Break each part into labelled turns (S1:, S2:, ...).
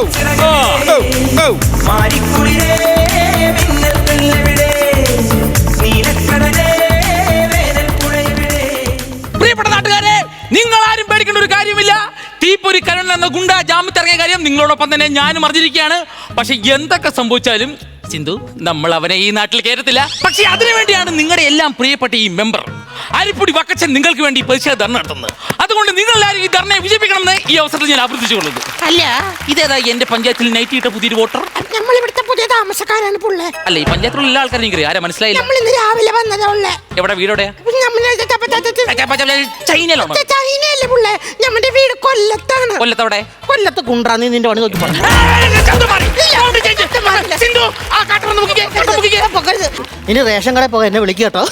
S1: പ്രിയപ്പെട്ട നാട്ടുകാരെ, നിങ്ങൾ ആരും പേടിക്കേണ്ട ഒരു കാര്യമില്ല. തീപ്പൊരി കരുണൻ എന്ന ഗുണ്ട ജാമ്യത്തിറങ്ങിയ കാര്യം നിങ്ങളോടൊപ്പം തന്നെ ഞാനും അറിഞ്ഞിരിക്കുകയാണ്. പക്ഷെ എന്തൊക്കെ സംഭവിച്ചാലും സിന്ധു, നമ്മൾ അവനെ ഈ നാട്ടിൽ കയറത്തില്ല. പക്ഷെ അതിനുവേണ്ടിയാണ് നിങ്ങളുടെ എല്ലാം പ്രിയപ്പെട്ട ഈ മെമ്പർ അരിപ്പൊടി വക്കച്ചൻ നിങ്ങൾക്ക് വേണ്ടി പ്രതിഷേധ ധർണ നടത്തുന്നത്. അതുകൊണ്ട് നിങ്ങളെല്ലാവരും ഈ ധർണയെ വിജയിപ്പിക്കണമെന്ന് ഈ അവസരത്തിൽ ഞാൻ അഭ്യർത്ഥിച്ചുകൊള്ളുന്നു.
S2: അല്ല,
S1: ഇതേതാ എന്റെ പഞ്ചായത്തിൽ നൈറ്റ് ഇട്ട പുതിയൊരു വോട്ടർ?
S2: നമ്മൾ ഇവിടുത്തെ പുതിയ താമസക്കാരാണ് പുള്ളേ.
S1: അല്ല, ഈ പഞ്ചായത്തിലുള്ള എല്ലാ ആൾക്കാരും എനിക്ക് ആരാ മനസ്സിലായില്ല.
S2: നമ്മൾ ഇന്ന് രാവിലെ വന്നതാ ഉള്ളേ.
S1: എവിടെ വീടോടെയാ? ചൈനയിലാണോ?
S2: ചൈനയല്ലേ പുള്ളേ, നമ്മുടെ വീട് കൊല്ലത്താണ്.
S1: കൊല്ലത്തവിടെ?
S2: കൊല്ലത്ത് കുണ്ടാന്ന് നിന്റെ പണി നോക്കി പറഞ്ഞു. ഇനി റേഷൻ കടയിൽ പോകാൻ എന്നെ വിളിക്കുക കേട്ടോ.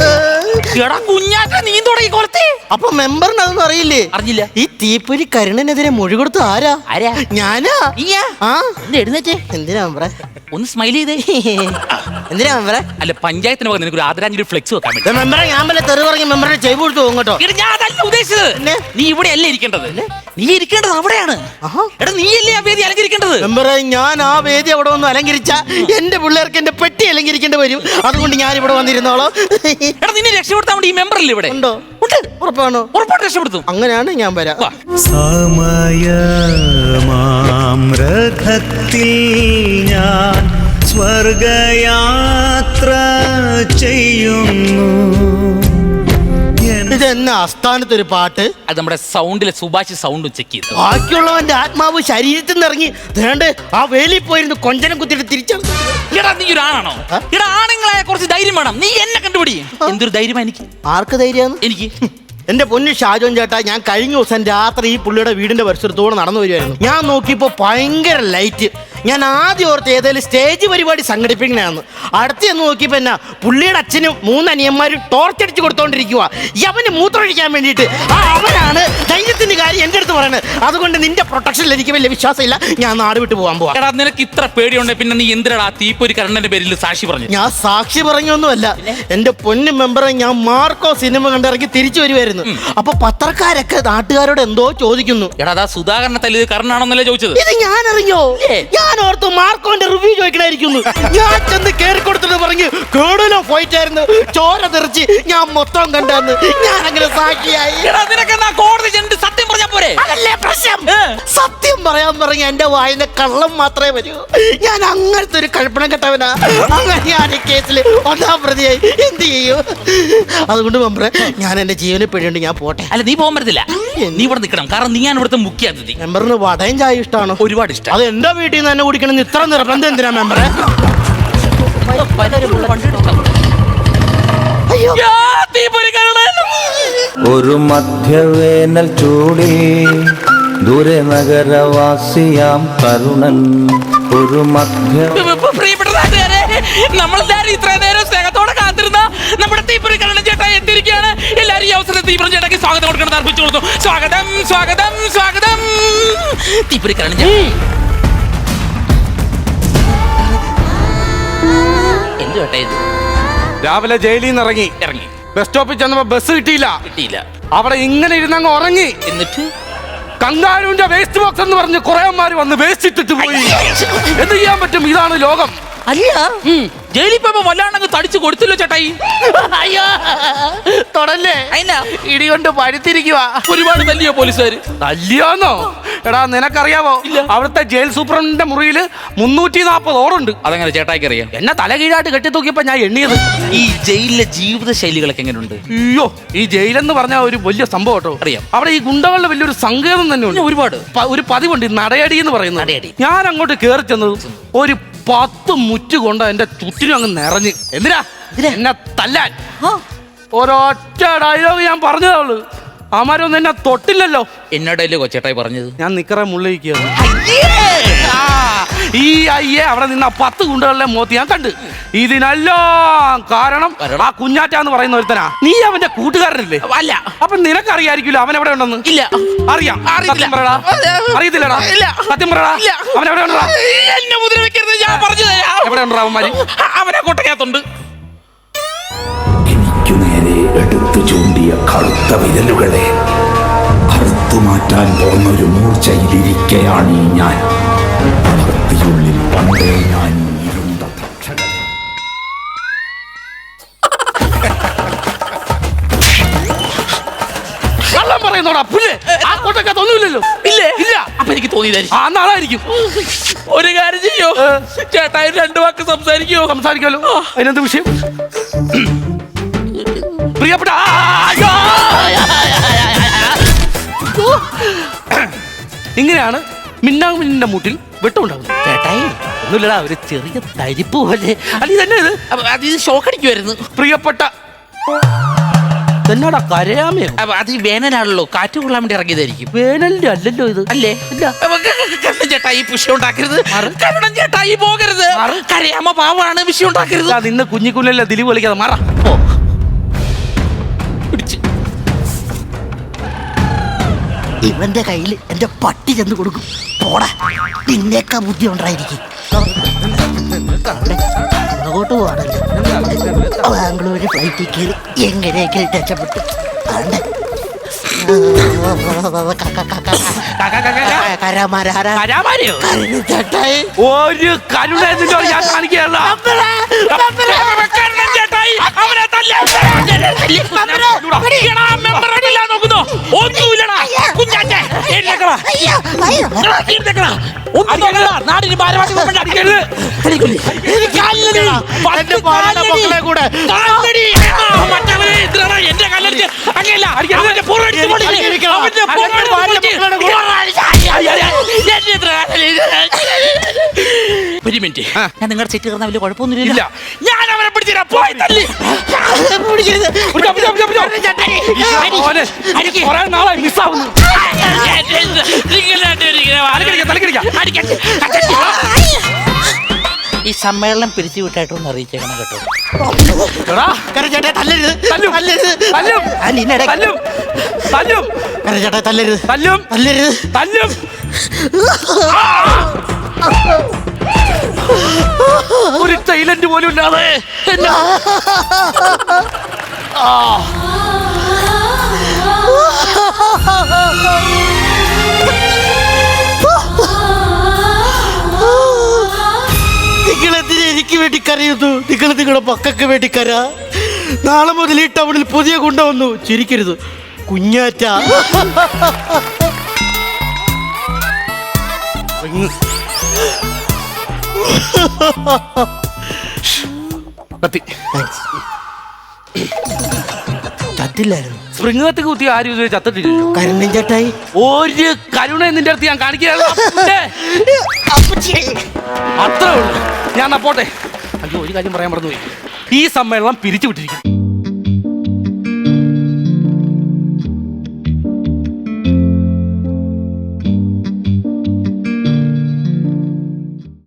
S2: അപ്പൊ മെമ്പറിന് അതൊന്നും അറിയില്ലേ?
S1: അറിഞ്ഞില്ല.
S2: ഈ തീപ്പൊരി കരുണനെതിരെ മൊഴി കൊടുത്തു ആരാ? ഞാനാ.
S1: എഴുന്നേറ്റ്.
S2: എന്തിനാ മെമ്പറെ?
S1: ഒന്ന് സ്മൈൽ ചെയ്തേ.
S2: എന്തിനാ മെമ്പറെ?
S1: അല്ല, പഞ്ചായത്തിന് പോകാൻ നിനക്ക് ഒരു ആദരാഞ്ജലി ഫ്ലെക്സ് വെക്കാൻ വേണ്ടി.
S2: മെമ്പറെ, ഞാൻ വല്ല തെറി പറഞ്ഞ മെമ്പറെ ചെയ്ത് കൊടുത്തു പോകും കേട്ടോ.
S1: ഞാൻ അതല്ല ഉദ്ദേശിച്ചത്. നീ ഇവിടെ അല്ലേ ഇരിക്കേണ്ടത്, നീ ഇരിക്കേണ്ടത് അവിടെയാണ്. എടാ, നീ അല്ലേ ആ വേദി അലങ്കരിക്കേണ്ടത്.
S2: മെമ്പറെ, ഞാൻ ആ വേദി അവിടെ വന്ന് അലങ്കരിച്ച എന്റെ പിള്ളേർക്ക് എന്റെ പെട്ടി അലങ്കരിക്കേണ്ടി വരും. അതുകൊണ്ട് ഞാൻ ഇവിടെ വന്നിരുന്നോളോ.
S1: എടാ, നിന്നെ രക്ഷപ്പെടുത്താൻ വേണ്ടി ഈ മെമ്പർ അല്ലേ ഇവിടെ
S2: ഉണ്ടോ? ഉറപ്പാണോ?
S1: ഉറപ്പായിട്ട് രക്ഷപ്പെടുത്തും.
S2: അങ്ങനെയാണ് ഞാൻ വരാം.
S3: സമയമാമ്രഥത്തിൽ ഞാൻ സ്വർഗയാത്ര ചെയ്യുന്നു.
S2: ഇതെന്നെ ആസ്ഥാനത്തൊരു പാട്ട്.
S1: അത് നമ്മുടെ സൗണ്ടിലെ സുഭാഷ് സൗണ്ട് ചെക്ക് ചെയ്തു.
S2: ബാക്കിയുള്ളവന്റെ ആത്മാവ് ശരീരത്തിൽ നിന്ന് ഇറങ്ങി ദേണ്ട് ആ വേലിയിൽ പോയിരുന്നു കൊഞ്ചനം കുത്തിയിട്ട് തിരിച്ചാണ്.
S1: എടാ, നീ ഒരു ആണാണോ? എടാ, ആണുങ്ങളായ കുറച്ച് ധൈര്യം വേണം. നീ എന്നെ കണ്ടുപിടി. എന്തൊരു ധൈര്യമാ എനിക്ക്.
S2: ആർക്ക് ധൈര്യമാണ്?
S1: എനിക്ക്.
S2: എന്റെ പൊന്നു ഷാജോൻ ചേട്ടാ, ഞാൻ കഴിഞ്ഞ ദിവസം രാത്രി ഈ പുള്ളിയുടെ വീടിന്റെ പരിസരത്തോടെ നടന്നു വരുമായിരുന്നു. ഞാൻ നോക്കിയപ്പോ ഭയങ്കര ലൈറ്റ്. ഞാൻ ആദ്യം ഓർത്ത് ഏതായാലും സ്റ്റേജ് പരിപാടി സംഘടിപ്പിക്കണാന്ന്. അടുത്ത് ചെന്ന് നോക്കിയപ്പോ എന്നാ പുള്ളിയുടെ അച്ഛനും 3 അനിയന്മാരും ടോർച്ചടിച്ച് കൊടുത്തോണ്ടിരിക്കുക. അവന് മൂത്രമൊഴിക്കാൻ വേണ്ടിയിട്ട്. അവനാണ് ധൈര്യത്തിന്റെ കാര്യം എന്റെ അടുത്ത് പറയുന്നത്. അതുകൊണ്ട് നിന്റെ പ്രൊട്ടക്ഷനിൽ എനിക്ക് വലിയ വിശ്വാസമില്ല. ഞാൻ നാട് വിട്ട് പോകാൻ പോവാ.
S1: എടാ, നിനക്ക് ഇത്ര പേടിയുണ്ടെ പിന്നെ നീ എന്തിനാ തീപ്പൊരി കരുണന്റെ പേരിൽ സാക്ഷി പറഞ്ഞു?
S2: ഞാൻ സാക്ഷി പറഞ്ഞൊന്നുമല്ല എന്റെ പൊന്നു മെമ്പറെ. ഞാൻ മാർക്കോ സിനിമ കണ്ടിറങ്ങി തിരിച്ചു വരുമായിരുന്നു. അപ്പൊ പത്രക്കാരൊക്കെ നാട്ടുകാരോട് എന്തോ ചോദിക്കുന്നു.
S1: എടാ, അതാ സുധാകരനെ തല്ലിയത് കരുണാണെന്നല്ലേ ചോദിച്ചത്.
S2: ഇത് ഞാൻ അറിഞ്ഞോ? ഞാൻ ഓർത്തു മാർക്കോന്റെ റിവ്യൂ ചോദിക്കണായിരിക്കുന്നു. ഞാൻ ചെന്ന് കേറി കൊടുത്തിട്ട് പറഞ്ഞു കേടലോ ഫൈറ്റ് ആയിരുന്നു, ചോര തെറിച്ച് ഞാൻ മൊത്തം കണ്ടെന്ന്. ഞാൻ അങ്ങനെ സാക്ഷിയായി.
S1: കോടതി സത്യം പറഞ്ഞാ പോരെ?
S2: അതല്ലേ പ്രശ്നം. സത്യം പറയാൻ പറഞ്ഞ എന്റെ വായിലെ കള്ളം മാത്രമേ വരൂ. ഞാൻ അങ്ങനത്തെ ഒരു കൽപ്പന കെട്ടവനാ. അങ്ങനെ ഞാൻ ഈ കേസിൽ 1-ാം പ്രതിയായി. എന്ത് ചെയ്യൂ? അതുകൊണ്ട് മെമ്പറെ, ഞാൻ എന്റെ ജീവനെ പേടിയുണ്ട്. ഞാൻ പോട്ടെ.
S1: അല്ല, നീ പോകാൻ പറ്റത്തില്ല. നീ ഇവിടെ നിൽക്കണം. കാരണം നീ ഇവിടുത്തെ മുഖ്യ അതിഥി.
S2: മെമ്പറിന് വടയും ചായ ഇഷ്ടമാണോ?
S1: ഒരുപാട് ഇഷ്ടം.
S2: അത് എന്റെ വീട്ടിൽ നിന്ന് തന്നെ കുടിക്കണം ഇത്ര നിർബന്ധം എന്തിനാ മെമ്പറെ?
S3: ഒരു മധ്യവേനൽ ചൂടിൽ ദൂരെ നഗരവാസിയാം കരുണൻ. ഒരു
S1: പ്രിയപ്പെട്ട നാട്ടുകാരെ, നമ്മളെല്ലാരും ഇത്ര നേരം സ്നേഹത്തോടെ കാത്തിരുന്ന നമ്മുടെ തീപ്പൊരി കരുണൻ ചേട്ടാ എത്തിയിരിക്കുകയാണ്. എല്ലാരും ഈ അവസരത്തിൽ തീപ്പൊരി ചേട്ടാക്കി സ്വാഗതം കൊടുക്കണം അർപ്പിച്ചു കൊടുത്തു. സ്വാഗതം, സ്വാഗതം, സ്വാഗതം. തീപ്പൊരി കരുണൻ ചേട്ടാ എന്ത് ചേട്ടാ ഇത്?
S4: രാവിലെ ജയിലിൽ നിന്ന് ഇറങ്ങി ബസ് സ്റ്റോപ്പിൽ ചെന്നപ്പോ ബസ് കിട്ടിയില്ല. അവിടെ ഇങ്ങനെ ഇരുന്നങ്ങ് ഉറങ്ങി.
S1: എന്നിട്ട്
S4: കങ്കാരുവിന്റെ വേസ്റ്റ് ബോക്സ് എന്ന് പറഞ്ഞ് കുറേമാര് വന്ന് വേസ്റ്റ് ഇട്ടിട്ട് പോയി. എന്ത് ചെയ്യാൻ പറ്റും? ഇതാണ് ലോകം.
S1: അല്ല, ജയിലിൽ പോയപ്പോ വല്ലാണ്ടങ്ങ് തടിച്ചു കൊടുത്തില്ലോ ചേട്ടായി.
S2: അയ്യോ, തൊടല്ലേ. ഇടികൊണ്ട് പഴുത്തിരിക്കുക.
S1: ഒരുപാട് തല്ലിയോ പോലീസുകാര്?
S4: തല്ലിയോന്നോ? എടാ, നിനക്കറിയാവോ അവിടുത്തെ ജയിൽ സൂപ്രണ്ടിന്റെ മുറിയില് 340 ഓറുണ്ട്.
S1: അതെങ്ങനെ ചേട്ടായിക്ക് അറിയാം?
S4: എന്നെ തലകീഴായിട്ട് കെട്ടി തൂക്കിയപ്പോ ഞാൻ എണ്ണിയത്.
S1: ഈ ജയിലിലെ ജീവിത ശൈലികളൊക്കെ എങ്ങനെയുണ്ട്?
S4: അയ്യോ, ഈ ജയിലെന്ന് പറഞ്ഞ ഒരു വലിയ സംഭവം കേട്ടോ.
S1: അറിയാം.
S4: അവിടെ ഈ ഗുണ്ടകളുടെ വലിയൊരു സങ്കേതം തന്നെ ഉണ്ട്.
S1: ഒരുപാട്
S4: ഒരു പതിവുണ്ട്, നടയടി എന്ന് പറയുന്നത്. ഞാൻ അങ്ങോട്ട് കയറി ചെന്നത് ഒരു 10 മുറ്റ് കൊണ്ട് എന്റെ ചുറ്റിനും അങ്ങ് നിറഞ്ഞ്. എന്തിനാ എന്നെ തല്ലാൻ? ഒരൊറ്റ ഡയലോഗ് ഞാൻ പറഞ്ഞതേ. അമാരൊന്നും എന്നെ തൊട്ടില്ലല്ലോ.
S1: എന്നോടല്ലേ കൊച്ചേട്ടായി പറഞ്ഞത്?
S4: ഞാൻ നിക്കറെ മുള്ളിരിക്കുകയാണ്. ഈ അയ്യേ അവിടെ നിന്ന 10 ഗുണ്ടകളിലെ മോത്തി ഞാൻ കണ്ട്. ഇതിനെല്ലാം കാരണം ആ കുഞ്ഞാറ്റ എന്ന് പറയുന്ന ഒരുത്തനാ. നീ അവന്റെ കൂട്ടുകാരനല്ലേ?
S1: അല്ല.
S4: അപ്പൊ നിനക്കറിയായിരിക്കുമല്ലോ അവൻ എവിടെ ഉണ്ടെന്ന്.
S1: ഇല്ല.
S4: അറിയാം. അറിയത്തില്ലടാ. സത്യം പറയടാ, അവൻ എവിടെ ഉണ്ടാ?
S1: എന്നെ മുദ്ര വെക്കരുത്, ഞാൻ പറഞ്ഞു തരാം.
S4: എവിടെ ഉണ്ടാ അവന്മാര്?
S1: അവനെ കൊട്ടക്കകത്തുണ്ട്.
S5: എനിക്കു നേരെ എടുത്തു ചൂണ്ടിയ കറുത്ത വിരലുകളെ അറുത്തുമാറ്റാൻ പോന്നൊരു മൂർച്ചയിലിരിക്കയാണ് ഞാൻ. അതിനുള്ളിൽ പണ്ടേ ഞാൻ ഇരുണ്ട തക്ഷകൻ.
S4: കള്ളം പറയുന്നോടാ പുല്ല്. ആ കോട്ടക്കകത്ത് ഒന്നുമില്ലല്ലോ.
S1: ഇല്ലേ?
S4: ഇല്ല.
S1: അപ്പൊ എനിക്ക് തോന്നിയതായിരിക്കും.
S4: ആ നാളായിരിക്കും.
S1: ഒരു കാര്യം ചെയ്യോ, ചേട്ടായി 2 വാക്ക് സംസാരിക്കോ?
S4: സംസാരിക്കാലോ. അതിനെന്ത് വിഷയം? പ്രിയപ്പെട്ട ഇങ്ങനെയാണ് മിന്നാമിന്നിന്റെ മൂട്ടിൽ വെട്ടമുണ്ടാകുന്നത്.
S1: ചേട്ടായി
S4: ഒന്നുമില്ലടാ, ഒരു ചെറിയ തരിപ്പ് പോലെ. അല്ല ഇതന്നെ ഇത്.
S1: അത് ഷോക്ക് അടിക്കുമായിരുന്നു.
S4: പ്രിയപ്പെട്ട എന്നാടാ കരയാമയോ?
S1: അത് ഈ വേനലാണല്ലോ, കാറ്റ് കൊള്ളാൻ വേണ്ടി ഇറങ്ങിയതായിരിക്കും.
S4: വേനലിന്റെ അല്ലല്ലോ ഇത്.
S1: അല്ലേ?
S4: ഇല്ല.
S1: കണ്ണൻ ചേട്ടായി വിഷയം ഉണ്ടാക്കരുത്. കണ്ണൻ ചേട്ടായി പോകരുത്. കരയാമ്മ പാവാണ്, വിഷയം ഉണ്ടാക്കരുത്.
S4: നിന്ന് കുഞ്ഞിക്കുഞ്ഞല്ലേ ദിലീപ് കളിക്കാതെ മാറാ.
S1: പിടിച്ച്
S2: ഇവന്റെ കയ്യിൽ എന്റെ പട്ടി ചെന്ന് കൊടുക്കും. പോടാ, നിന്നേക്കാ ബുദ്ധി ഉണ്ടായിരിക്കും. അങ്ങോട്ട് പോവാണല്ലോ. ബാംഗ്ലൂര് ഫ്ലൈറ്റിൽ കയറി എങ്ങനെയൊക്കെ രക്ഷപ്പെട്ടു.
S4: കരാമാരെയോ?
S2: ചേട്ടായി
S4: ഒരു കരുണ ഞാൻ കാണിക്കുകയല്ല.
S1: കണ്ണൻ ചേട്ടായി അവനെ നോക്കുന്നോ? ഒന്നുമില്ലടാ കുഞ്ഞാറ്റേ. നാടിന് ഭാരമാക്കി
S2: മക്കളെ കൂടെ
S1: എന്റെ കല്ലടിച്ച് അങ്ങനെയല്ല ഒരു മിനിറ്റ്, ഞാൻ നിങ്ങളുടെ സെറ്റ് കയറുന്ന വലിയ കുഴപ്പമൊന്നുമില്ല. ഞാൻ അവനെ പിടിച്ചില്ല. പോയി തല്ലി.
S4: കുറെ നാളായി മിസ്സാവുന്നു.
S1: ഈ സമ്മേളനം പിരിച്ചു വിട്ടായിട്ടൊന്ന് അറിയിച്ചേക്കണം കേട്ടോ.
S2: ചേട്ടാ തല്ലരുത്,
S4: തല്ലും.
S2: തല്ലരുത്,
S4: തല്ലും. തല്ലും. തല്ലും.
S2: ചേട്ടാ തല്ലരുത്,
S4: തല്ലും.
S2: തല്ലരുത്.
S4: തല്ലും. ഒരു ടൈലന്റ് പോലും ഇല്ലാതെ എന്നാ
S2: നിങ്ങളെന്തിനാ എനിക്ക് വേണ്ടി കരയുന്നു? നിങ്ങൾ നിങ്ങളുടെ മക്കൾക്ക് വേണ്ടി കര. നാളെ മുതൽ ഈ ടൗണിൽ പുതിയ ഗുണ്ട വന്നു. ചിരിക്കരുത് കുഞ്ഞാറ്റ.
S4: കത്തി
S2: ചത്തില്ലായിരുന്നു.
S4: സ്പ്രിങ് കത്തി കുത്തി ആരും ഇതുവരെ ചത്തിട്ടില്ലല്ലോ.
S2: കരുണൻ ചേട്ടായി
S4: ഒരു കരുണ നിന്റെ അടുത്ത് ഞാൻ കാണിക്കുകയാണ്. അത്രേ ഉള്ളൂ. ഞാൻ പോട്ടെ. അയ്യോ, ഒരു കാര്യം പറയാൻ മറന്നുപോയി. ഈ സമ്മേളനം പിരിച്ചു വിട്ടിരിക്കുന്നു.